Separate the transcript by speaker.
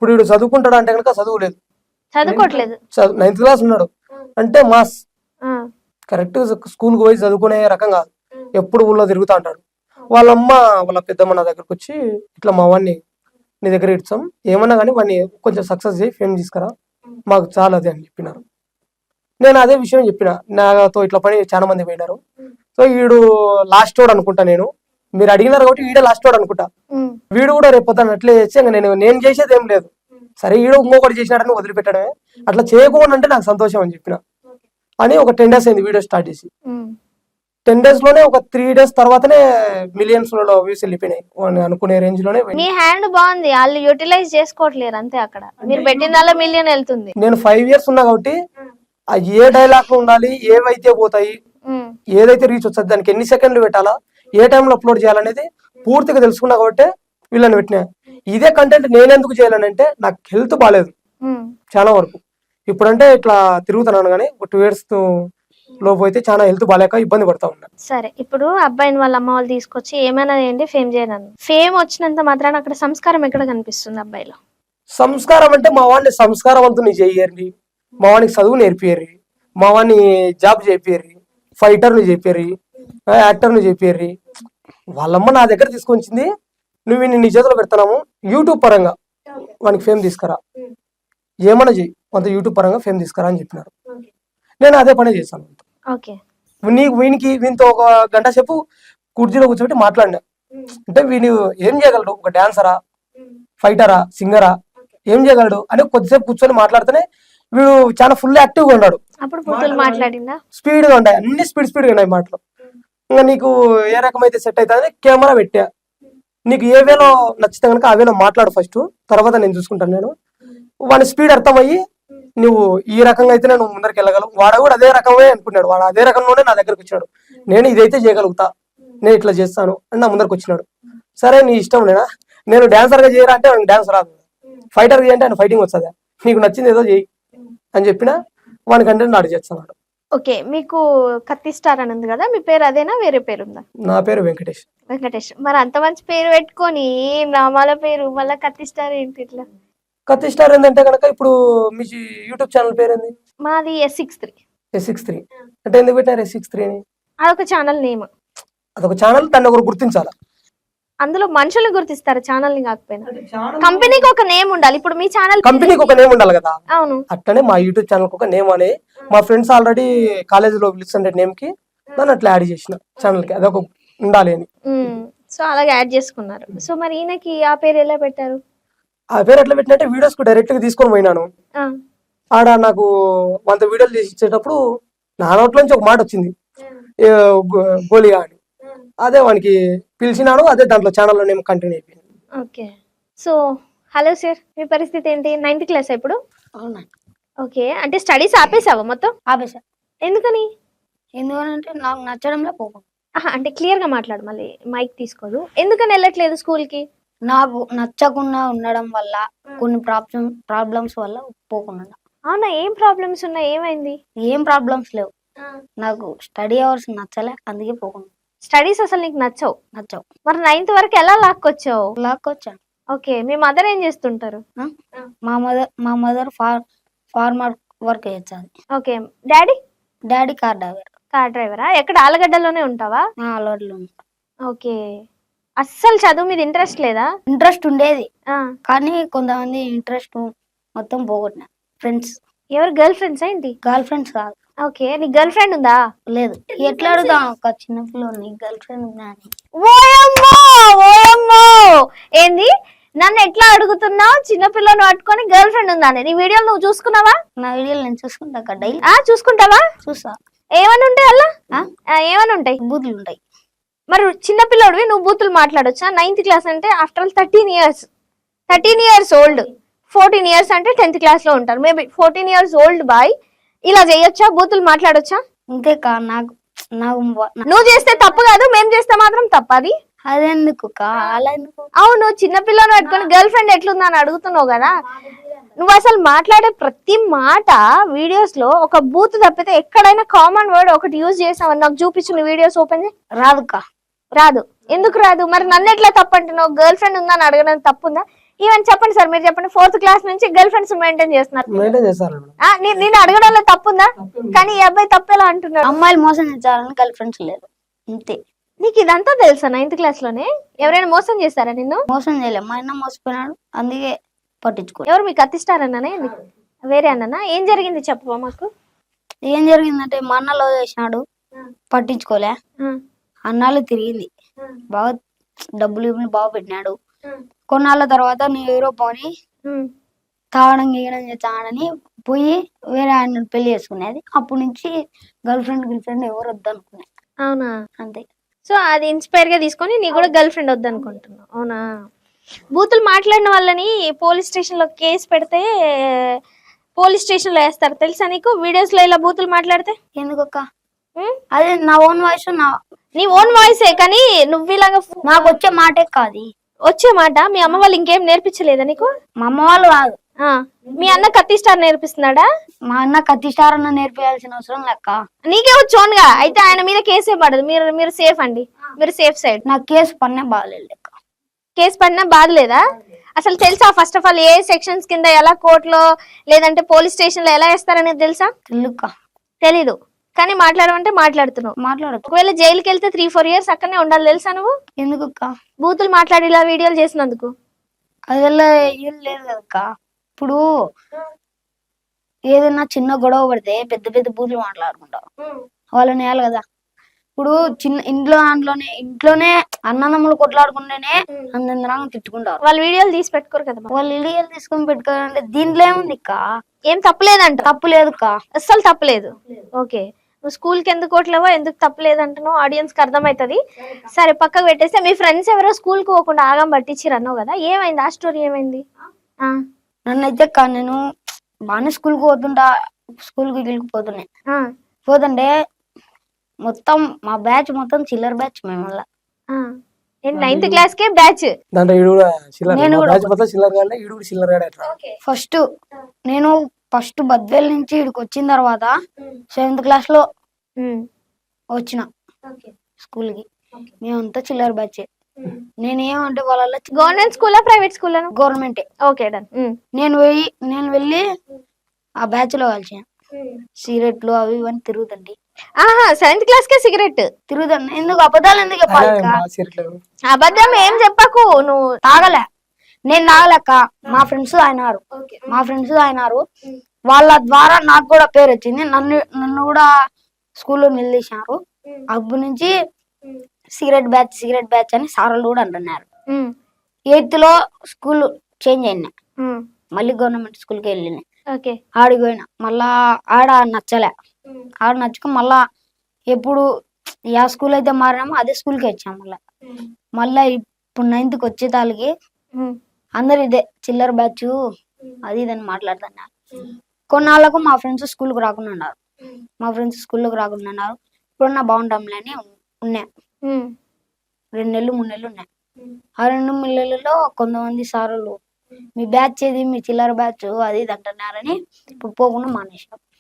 Speaker 1: ఇప్పుడు వీడు చదువుకుంటాడు అంటే కనుక చదువులేదు,
Speaker 2: చదువుకోవట్లేదు.
Speaker 1: 9th క్లాస్ ఉన్నాడు అంటే మాస్ కరెక్ట్ స్కూల్కి పోయి చదువుకునే రకం కాదు, ఎప్పుడు ఊళ్ళో తిరుగుతా ఉంటాడు. వాళ్ళమ్మ వాళ్ళ పెద్దమ్మ నా దగ్గరకు వచ్చి ఇట్లా మా వాడిని నీ దగ్గర ఇచ్చాం, ఏమన్నా కానీ వాడిని కొంచెం సక్సెస్ చేయి, ఫేమ్ తీసుకురా, మాకు చాలా అదే అని చెప్పినారు. నేను అదే విషయం చెప్పిన, నాతో ఇట్లా పని చాలా మంది పోయినారు. సో వీడు లాస్ట్ వాడు అనుకుంటా, మీరు అడిగినారు కాబట్టి వీడే లాస్ట్ వాడు అనుకుంటా. వీడు కూడా రేపు పొద్దున్న అట్లే చేస్తే నేను చేసేది ఏం లేదు, సరే వీడు ఇంకొకటి చేసినాడని వదిలిపెట్టడమే, అట్లా చేయకుండా అంటే నాకు సంతోషం అని చెప్పిన. అని ఒక 10 days అయింది వీడియో స్టార్ట్ చేసి. 10 days లోనే ఒక 3 days తర్వాతనే మిలియన్స్ లో వ్యూస్ వెళ్ళిపోయినాయి అనుకునే రేంజ్ లోనే.
Speaker 2: మీ హ్యాండ్ బాగుంది, వాళ్ళు యూటిలైజ్ చేసుకోవట్లేరు అంతే. అక్కడ మీరు పెట్టిన మిలియన్ వెళ్తుంది.
Speaker 1: నేను 5 years ఉన్నా కాబట్టి ఆ ఏ డైలాగ్ ఉండాలి, ఏవైతే పోతాయి, ఏదైతే రీచ్ వస్తుంది, దానికి ఎన్ని సెకండ్లు పెట్టాలా, ఏ టైంలో అప్లోడ్ చేయాలనేది పూర్తిగా తెలుసుకున్నా కాబట్టి వీళ్ళని పెట్టినా. ఇదే కంటెంట్ నేనెందుకు చేయాలనంటే నాకు హెల్త్ బాగాలేదు చాలా వరకు. ఇప్పుడంటే ఇట్లా తిరుగుతున్నాను కానీ 2 years లోపు అయితే చాలా హెల్త్ బాగాలేక ఇబ్బంది పడతా ఉన్నా.
Speaker 2: సరే, ఇప్పుడు అబ్బాయిని వాళ్ళ అమ్మ వాళ్ళు తీసుకొచ్చి ఏమైనా ఏంటి ఫేమ్ చేయను, ఫేమ్ వచ్చినంత మాత్రాన అక్కడ సంస్కారం ఎక్కడ కనిపిస్తుంది అబ్బాయిలో?
Speaker 1: సంస్కారం అంటే మా వాడిని సంస్కారవంతుని చేయర్రి, మా వాడికి చదువు నేర్పియర్రి, మా వాడిని జాబ్ చేపియర్రి, ఫైటర్ని చెప్పారు, యాక్టర్ని చెప్పారు. వాళ్ళమ్మ నా దగ్గర తీసుకొచ్చింది, నువ్వు నీ చేతిలో పెడతాము యూట్యూబ్ పరంగా వానికి ఫేమ్ తీసుకురా, ఏమన్నా చెయ్యి కొంత యూట్యూబ్ పరంగా ఫేమ్ తీసుకురా అని చెప్పినారు. నేను అదే పని చేశాను. వీనితో ఒక గంట సేపు కుర్చీలో కూర్చోబెట్టి మాట్లాడినా, అంటే వీడు ఏం చేయగలడు, ఒక డాన్సరా, ఫైటరా, సింగరా, ఏం చేయగలడు అని కొద్దిసేపు కూర్చొని మాట్లాడితేనే వీడు చాలా ఫుల్ యాక్టివ్ గా ఉన్నాడు. స్పీడ్ గా ఉంటాయి, అన్ని స్పీడ్ గా ఉన్నాయి మాటలు. ఇంకా నీకు ఏ రకమైతే సెట్ అవుతుంది కెమెరా పెట్టా, నీకు ఏ వేలో నచ్చితే కనుక ఆ వేలో మాట్లాడు ఫస్ట్, తర్వాత నేను చూసుకుంటాను. నేను వాడి స్పీడ్ అర్థమయ్యి నువ్వు ఈ రకంగా అయితే నేను ముందరికి వెళ్ళగలవు, వాడు కూడా అదే రకమే అనుకున్నాడు, వాడు అదే రకంలోనే నా దగ్గరకు వచ్చినాడు. నేను ఇదైతే చేయగలుగుతా, నేను ఇట్లా చేస్తాను అని నా ముందరికి వచ్చినాడు. సరే నీ ఇష్టం, నేను డాన్సర్ గా చేయరా అంటే డాన్స్ రాదు, ఫైటర్ గా అంటే ఆయన ఫైటింగ్ వస్తుందా, నీకు నచ్చింది ఏదో చేయి అని చెప్పిన వానికంటే నాడు చేస్తున్నాడు.
Speaker 2: ఓకే, మీకు కత్తి స్టార్ అని ఉంది కదా, మీ పేరు అదేనా వేరే పేరు ఉందా?
Speaker 1: నా పేరు వెంకటేష్.
Speaker 2: వెంకటేష్, మరి అంత మంచి పేరు పెట్టుకొని నామాల పేరు మళ్ళీ కత్తి స్టార్ ఏంటి ఇట్లా?
Speaker 1: కత్తి స్టార్ ఏంటంటే కనుక ఇప్పుడు మీ యూట్యూబ్ ఛానల్ పేరు ఏంది?
Speaker 2: మాది S63
Speaker 1: అంటే ఎందుకు పెట్టారు S63 అని?
Speaker 2: అదొక ఛానల్ నేమ్.
Speaker 1: అదొక ఛానల్, దాన్ని ఒకరు గుర్తించాలి,
Speaker 2: అందులో మనుషుల్ని గుర్తిస్తారు, ఛానల్ ని కాకపోయినా. కంపెనీకి ఒక నేమ్ ఉండాలి, ఇప్పుడు మీ ఛానల్
Speaker 1: కంపెనీకి ఒక నేమ్ ఉండాలి కదా.
Speaker 2: అవును,
Speaker 1: అట్లనే మా యూట్యూబ్ ఛానల్ ఒక నేమ్ అని మా ఫ్రెండ్స్ ఆల్రెడీ కాలేజీలో పిలుస్తుండే నేమ్ కి దాన్ని అట్లా యాడ్ చేసిన ఛానల్ కి, అదొక ఉండాలి అని.
Speaker 2: సో అలాగే యాడ్ చేసుకున్నారు. సో మరి ఈయనకి ఆ పేరు ఎలా పెట్టారు?
Speaker 1: ఆ పేరు ఎట్లా పెట్టినట్టే వీడియోస్ కు డైరెక్ట్ గా తీసుకొని పోయినాను. ఆడ నాకు 100 వీడియోలు చేసి ఇచ్చేటప్పుడు నా నోట్ల నుంచి ఒక మాట వచ్చింది, గోలియా అని. అదే వానికి పిలిచినాడు, అదే దాంట్లో ఛానల్లో నేమ్ కంటిన్యూ అయిపోయింది.
Speaker 2: ఓకే, సో హలో సార్, మీ పరిస్థితి ఏంటి? 9th క్లాస్ ఇప్పుడు? ఓకే, అంటే స్టడీస్ ఆపేసావా మొత్తం?
Speaker 3: ఆపేసా.
Speaker 2: ఎందుకని?
Speaker 3: ఎందుకంటే నాకు నచ్చడంలో పోకు.
Speaker 2: అంటే క్లియర్ గా మాట్లాడు, మళ్ళీ మైక్ తీసుకోదు. ఎందుకని వెళ్ళట్లేదు స్కూల్ కి?
Speaker 3: నాకు నచ్చకుండా ఉండడం వల్ల, కొన్ని ప్రాబ్లమ్స్ వల్ల పోకుండా.
Speaker 2: అవునా, ఏం ప్రాబ్లమ్స్ ఉన్నాయి, ఏమైంది?
Speaker 3: ఏం ప్రాబ్లమ్స్ లేవు, నాకు స్టడీ అవర్స్ నచ్చలే, అందుకే పోకుండా.
Speaker 2: స్టడీస్ అసలు నీకు నచ్చవు? మరి 9th వరకు ఎలా
Speaker 3: లాక్కొచ్చాను.
Speaker 2: ఓకే, మీ మదర్ ఏం చేస్తుంటారు?
Speaker 3: మా మదర్ ఫార్మర్ వర్క్ చేస్తుంది.
Speaker 2: ఓకే,
Speaker 3: డాడీ కార్
Speaker 2: డ్రైవరా? ఎక్కడ ఆలగడ్డలోనే ఉంటావా?
Speaker 3: ఆలగడ్డలో.
Speaker 2: ఓకే, అస్సలు చదువు మీద ఇంట్రెస్ట్ లేదా?
Speaker 3: ఇంట్రెస్ట్ ఉండేది, కానీ కొంతమంది ఇంట్రెస్ట్ మొత్తం పోగొట్టిన. ఫ్రెండ్స్.
Speaker 2: ఎవరు? గర్ల్ ఫ్రెండ్స్ ఏంటి?
Speaker 3: గర్ల్ ఫ్రెండ్స్ కాదు.
Speaker 2: ఓకే, నీ గర్ల్ ఫ్రెండ్ ఉందా?
Speaker 3: లేదు. ఎట్లా అడుగుతా ఒక చిన్న పిల్లని గర్ల్ ఫ్రెండ్ ఉందా అని?
Speaker 2: ఓయమ్మో, ఏంది నన్ను ఎట్లా అడుగుతున్నావు? చిన్నపిల్లని పట్టుకొని గర్ల్ ఫ్రెండ్ ఉందా? నీ వీడియోలు నువ్వు చూసుకున్నావా?
Speaker 3: నా వీడియోలు నేను చూసుకుంటా డైలీ.
Speaker 2: చూసుకుంటావా?
Speaker 3: చూసా.
Speaker 2: ఏమని ఉంటాయి అలా? ఏమని ఉంటాయి?
Speaker 3: బూతులు ఉంటాయి.
Speaker 2: మరి చిన్నపిల్లడివి నువ్వు బూతులు మాట్లాడొచ్చా? 9th క్లాస్ అంటే after all 13 years old. 14 years అంటే 10th క్లాస్ లో ఉంటారు. మేబీ 14 years ఓల్డ్ బాయ్ ఇలా చేయొచ్చా? బూతులు మాట్లాడొచ్చా?
Speaker 3: ఇంతేకా నాకు
Speaker 2: నువ్వు చేస్తే తప్పు కాదు, మేము చేస్తే మాత్రం తప్పది.
Speaker 3: అదెందుకు?
Speaker 2: అవును, చిన్నపిల్లని పట్టుకొని గర్ల్ ఫ్రెండ్ ఎట్లుందా అని అడుగుతున్నావు కదా. నువ్వు అసలు మాట్లాడే ప్రతి మాట వీడియోస్ లో ఒక బూత్ తప్పితే ఎక్కడైనా కామన్ వర్డ్ ఒకటి యూజ్ చేసావని నాకు చూపించు. వీడియోస్ ఓపెన్ చేయి.
Speaker 3: రాదుకా?
Speaker 2: రాదు. ఎందుకు రాదు? మరి నన్ను ఎట్లా తప్పు అంటున్నావు? గర్ల్ ఫ్రెండ్ ఉందా అని అడగడం తప్పుందా? ఈవెన్ చెప్పండి సార్, మీరు చెప్పండి. 4th క్లాస్ నుంచి గర్ల్ ఫ్రెండ్స్ మెయింటైన్ చేస్తున్నారు.
Speaker 1: మెయింటైన్ చేస్తారు మేడం.
Speaker 2: నేను అడగడంలో తప్పుందా? కానీ ఈ అబ్బాయి తప్పేలా అంటున్నాడు.
Speaker 3: అమ్మాయిలు మోసం చేస్తారని గర్ల్ ఫ్రెండ్స్ లేదు అంతే.
Speaker 2: నీకు ఇదంతా తెలుసా? 9th క్లాస్ లోనే ఎవరైనా మోసం చేస్తారా నిన్ను?
Speaker 3: మోసం చేయలేదు, మా అన్న మోసపోయినాడు అందుకే పట్టించుకో.
Speaker 2: ఎవరు మీకు అత్తిస్తారన్నానే? వేరే అన్ననా? ఏం జరిగింది చెప్పవా మాకు?
Speaker 3: ఏం జరిగిందంటే మా అన్న లవ్ చేసినాడు, పట్టించుకోలే. అన్నాళ్ళు తిరిగింది, బాగా డబ్బులు బాగా పెట్టినాడు. కొన్నాళ్ళ తర్వాత నువ్వు ఎవరో పోని తాగడం గీయడం చేస్తాడని పోయి వేరే ఆయన పెళ్లి చేసుకునేది. అప్పటి నుంచి గర్ల్ ఫ్రెండ్ ఎవరు వద్దనుకునే.
Speaker 2: అవునా?
Speaker 3: అంతే.
Speaker 2: సో అది ఇన్స్పైర్ గా తీసుకొని నీ కూడా గర్ల్ ఫ్రెండ్ వద్దనుకుంటున్నావు. అవునా? బూతులు మాట్లాడిన వాళ్ళని పోలీస్ స్టేషన్ లో కేసు పెడితే పోలీస్ స్టేషన్ లో వేస్తారు తెలుసా నీకు? వీడియోస్ లో ఇలా బూతులు మాట్లాడితే.
Speaker 3: ఎందుకక్క? అదే నా ఓన్ వాయిస్,
Speaker 2: నీ ఓన్ వాయిసే, కానీ నువ్వు ఇలాగా
Speaker 3: నాకు వచ్చే మాటే కాదు.
Speaker 2: వచ్చే మాట మీ అమ్మ వాళ్ళు ఇంకేం నేర్పించలేదా నీకు?
Speaker 3: మా అమ్మ వాళ్ళు కాదు,
Speaker 2: మీ అన్న కత్తి స్టార్ నేర్పిస్తున్నాడా?
Speaker 3: మా అన్న కత్తి స్టార్ అన్న నేర్పించాల్సిన అవసరం లెక్క.
Speaker 2: నీకే వచ్చోన్గా, అయితే ఆయన మీద కేసే పడదు. మీరు సేఫ్ అండి, మీరు సేఫ్ సైడ్.
Speaker 3: నాకు కేసు పన్నే బాగలేదు లెక్క.
Speaker 2: కేసు పడినా బాధలేదా? అసలు తెలుసా ఫస్ట్ ఆఫ్ ఆల్ ఏ సెక్షన్స్ కింద ఎలా కోర్టులో లేదంటే పోలీస్ స్టేషన్ లో ఎలా వేస్తారనేది తెలుసా? తెలీదు, కానీ మాట్లాడమంటే మాట్లాడుతున్నావు.
Speaker 3: మాట్లాడదు.
Speaker 2: ఒకవేళ జైలుకి వెళ్తే 3-4 years అక్కడనే ఉండాలి తెలుసా నువ్వు?
Speaker 3: ఎందుకు?
Speaker 2: బూతులు మాట్లాడి ఇలా వీడియోలు చేసినందుకు.
Speaker 3: అది వల్ల ఏం లేదు కదక్క. ఇప్పుడు ఏదైనా చిన్న గొడవ పడితే పెద్ద పెద్ద బూతులు మాట్లాడుకుంటారు, వాళ్ళని వేయాలి కదా. ఇప్పుడు చిన్న ఇంట్లోనే అన్నదమ్ములు కొట్లాడుకుంటేనే అందరం తిట్టుకుంటారు.
Speaker 2: వాళ్ళు వీడియోలు తీసి పెట్టుకోరు కదా.
Speaker 3: వాళ్ళు వీడియోలు తీసుకొని పెట్టుకోవాలంటే దీంట్లో ఏముంది అక్క?
Speaker 2: ఏం తప్పలేదంట?
Speaker 3: తప్పులేదు అక్క,
Speaker 2: అస్సలు తప్పలేదు. ఓకే, నువ్వు స్కూల్ కి ఎందుకు కోట్లేవో ఎందుకు తప్పలేదంటున్నావు ఆడియన్స్ కి అర్థమవుతుంది. సరే పక్కకు పెట్టేస్తే మీ ఫ్రెండ్స్ ఎవరో స్కూల్ కు పోకుండా ఆగం పట్టించిరు అన్నావు కదా, ఏమైంది ఆ స్టోరీ? ఏమైంది?
Speaker 3: నన్నైతే నేను బాగానే స్కూల్ కు పోతుంటా, స్కూల్ కి వెళ్ళిపోతున్నాయి. పోతుంటే మొత్తం మా బ్యాచ్ మొత్తం చిల్లర్ బ్యాచ్. మేము వల్ల
Speaker 2: 9th క్లాస్ కే బ్యాచ్.
Speaker 3: నేను ఫస్ట్ బద్వేల్ నుంచి ఇక్కడికి వచ్చిన తర్వాత 7th క్లాస్ లో వచ్చిన స్కూల్ కి. మేమంతా చిల్లర్ బ్యాచ్. నేనేమంటే వాళ్ళ
Speaker 2: గవర్నమెంట్ స్కూలా private school?
Speaker 3: Government.
Speaker 2: Okay done.
Speaker 3: నేను వెళ్ళి ఆ బ్యాచ్ లో కలిసాను. సిగరెట్లు అవి ఇవన్నీ తిరుగుతండి.
Speaker 2: 7th క్లాస్ కే సిగరెట్
Speaker 3: తిరుగుతండి. ఎందుకు అబద్ధాలు ఎందుకు చెప్పాలి?
Speaker 2: అబద్ధం ఏం చెప్పకు. నువ్వు
Speaker 3: తాగలే, నేను తాగలేక మా ఫ్రెండ్స్ అయినారు. వాళ్ళ ద్వారా నాకు కూడా పేరు వచ్చింది. నన్ను కూడా స్కూల్లో నిలదీశారు. అప్పటి నుంచి సిగరెట్ బ్యాచ్ అని సార్లు కూడా అంటున్నారు. 8th లో స్కూల్ చేంజ్ అయినా, మళ్ళీ గవర్నమెంట్ స్కూల్ కి వెళ్ళిన. ఆడికి పోయినా, మళ్ళా ఆడ నచ్చక మళ్ళా ఎప్పుడు ఏ స్కూల్ అయితే మారినామో అదే స్కూల్ కి వచ్చాం. మళ్ళా ఇప్పుడు 9th కి వచ్చేతాళ్ళకి అందరు ఇదే చిల్లర బ్యాచ్ అది ఇదని మాట్లాడుతున్నారు. కొన్నాళ్ళకు మా ఫ్రెండ్స్ స్కూల్కి రాకుండా ఉన్నారు. ఇప్పుడున్నా బాగుంటాంలే అని ఉన్నాయి. 2 నెలలు 3 నెలలు ఉన్నాయి. ఆ 2 నెలలలో కొంతమంది సారులు మీ బ్యాచ్ ఏది, మీ చిల్లర బ్యాచ్ అది ఇది అంటున్నారని ఇప్పుడు పోకుండా మానేసాం.